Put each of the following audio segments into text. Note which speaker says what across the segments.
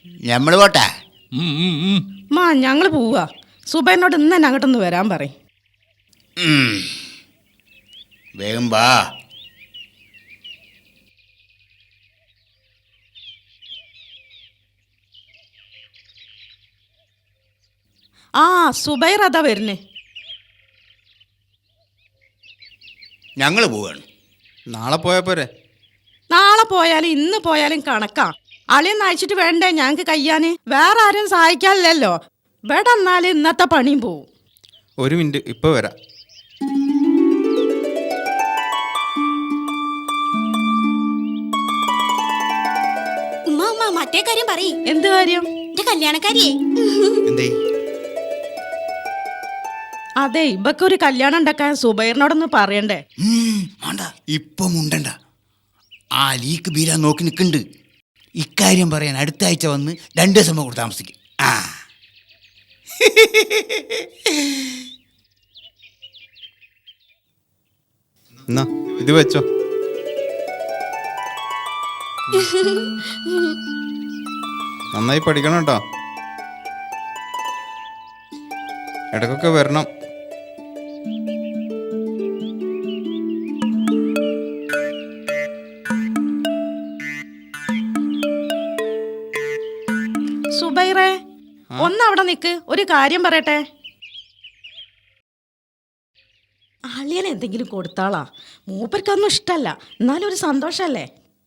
Speaker 1: ഞമ്മള് പോട്ടെ.
Speaker 2: മാ ഞങ്ങൾ പോവാ. സുബൈനോട് ഇന്ന് തന്നെ അങ്ങോട്ടൊന്ന് വരാൻ പറയും.
Speaker 1: വേഗം വാ.
Speaker 2: ആ സുബൈർ അതാ വരുന്നേ.
Speaker 1: ഞങ്ങൾ പോവാണ്.
Speaker 3: നാളെ പോയാ പോരെ?
Speaker 2: നാളെ പോയാലും ഇന്ന് പോയാലും കണക്കാ. അളിയൊന്ന് അയച്ചിട്ട് വേണ്ടേ ഞങ്ങൾക്ക് കയ്യാന്? വേറെ ആരും സഹായിക്കാനില്ലല്ലോ. ഇവിടെ എന്നാലും ഇന്നത്തെ പണിയും പോവും.
Speaker 3: ഒരു മിനിറ്റ്, ഇപ്പൊ വരാം.
Speaker 4: മറ്റേ കാര്യം പറയ്.
Speaker 2: എന്ത് കാര്യം?
Speaker 4: എന്റെ കല്യാണക്കാരിയേ.
Speaker 1: എന്തേ?
Speaker 2: അതെ, ഇവക്ക് ഒരു കല്യാണം ഉണ്ടാക്കാൻ സുബൈറിനോടൊന്ന് പറയണ്ടേ?
Speaker 1: വേണ്ട, ഇപ്പം ഉണ്ടണ്ട. ആ ലീക്ക് ബീരാൻ നോക്കി നിൽക്കുന്നുണ്ട്. ഇക്കാര്യം പറയാൻ അടുത്ത ആഴ്ച വന്ന് 2 ദിവസം കൂടെ താമസിക്കും. ആ
Speaker 3: എന്നാ ഇത് വെച്ചോ. നന്നായി പഠിക്കണം കേട്ടോ. ഇടക്കൊക്കെ വരണം.
Speaker 2: സുബൈറെ, ഒന്നവിടെ നിക്ക്, ഒരു കാര്യം പറയട്ടെ. അളിയൻ എന്തെങ്കിലും കൊടുത്താളാ. മൂപ്പർക്കൊന്നും ഇഷ്ടല്ല, എന്നാലും ഒരു സന്തോഷല്ലേ.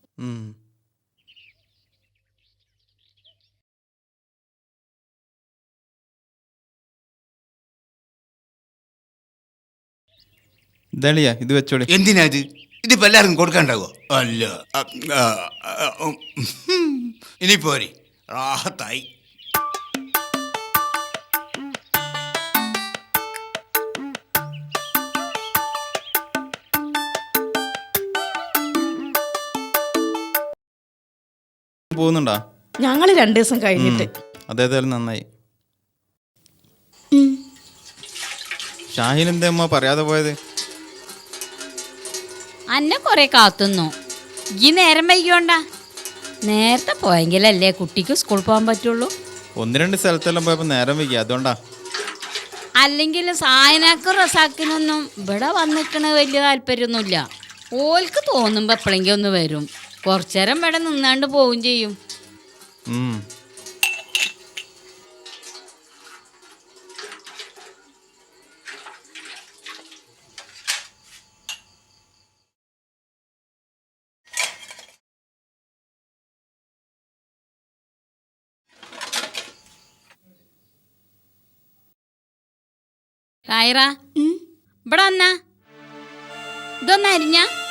Speaker 3: ഇതളിയാ, ഇത് വെച്ചോളി.
Speaker 1: എന്തിനാ ഇത്? ഇതിപ്പോൾ എല്ലാവർക്കും കൊടുക്കാണ്ടാവോ? അല്ല, ഇനി പോരെ, റാഹത്തായി.
Speaker 3: പോകുന്നുണ്ടോ?
Speaker 2: ഞങ്ങൾ 2 ദിവസം കഴിഞ്ഞിട്ട്.
Speaker 3: അതേതായാലും നന്നായി. ഷാഹിൻ എന്താ അമ്മ പറയാതെ പോയത്?
Speaker 5: അന്നെ കുറെ കാത്തുന്നു. ഈ നേരം വൈകിയോണ്ടാ. നേരത്തെ പോയെങ്കിലല്ലേ കുട്ടിക്ക് സ്കൂൾ പോകാൻ പറ്റുള്ളൂ.
Speaker 3: 1-2 സ്ഥലത്തെല്ലാം പോയപ്പോ നേരം വൈകി, അതുകൊണ്ടാ.
Speaker 5: അല്ലെങ്കിൽ സായനാക്കും റസാക്കിനൊന്നും ഇവിടെ വന്നിക്കണ വലിയ താല്പര്യമൊന്നുമില്ല. ഓൽക്ക് തോന്നുമ്പോ എപ്പോഴെങ്കിലും ഒന്ന് വരും. കുറച്ചേരം ഇവിടെ നിന്നാണ്ട് പോവും ചെയ്യും. കായറ, ഇവിടെ വന്നാ. ഇതൊന്ന് അരിഞ്ഞ